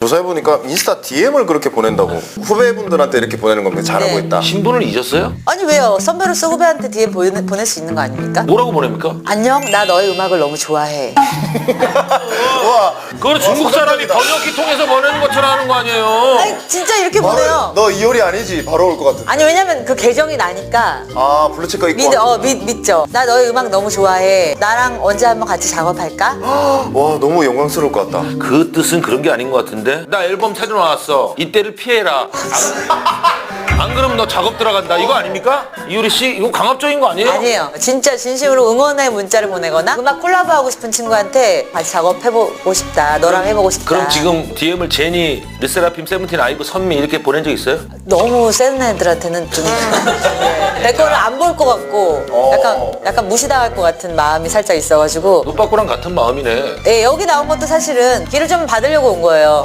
조사해보니까 인스타 DM을 그렇게 보낸다고. 후배분들한테 이렇게 보내는 겁니다. 잘하고 네. 있다. 신분을 잊었어요? 아니 왜요? 선배로서 후배한테 DM 보낼 수 있는 거 아닙니까? 뭐라고 보냅니까? 안녕, 나 너의 음악을 너무 좋아해. 와, 그건 중국 사람이 번역기 통해서 보내는 것처럼 하는 거 아니에요? 아니 진짜 이렇게 보내요. 너 이효리 아니지? 바로 올 것 같은데. 아니 왜냐면 그 계정이 나니까 아, 블루체크 있고. 믿죠. 나 너의 음악 너무 좋아해. 나랑 언제 한번 같이 작업할까? 와, 너무 영광스러울 것 같다. 그 뜻은 그런 게 아닌 것 같은데? 나 앨범 사진 나왔어. 이때를 피해라. 안 그러면 너 작업 들어간다. 이거 아닙니까? 이효리 씨, 이거 강압적인 거 아니에요? 아니에요. 진짜 진심으로 응원의 문자를 보내거나 음악 콜라보하고 싶은 친구한테 같이 작업해보고 싶다. 너랑 해보고 싶다. 그럼 지금 DM을 제니, 르세라핌, 세븐틴, 아이브, 선미 이렇게 보낸 적 있어요? 너무 센 애들한테는 좀 내 거를 안 볼 것 같고 약간 무시당할 것 같은 마음이 살짝 있어가지고 노빠꾸랑 같은 마음이네. 예, 여기 나온 것도 사실은 기를 좀 받으려고 온 거예요.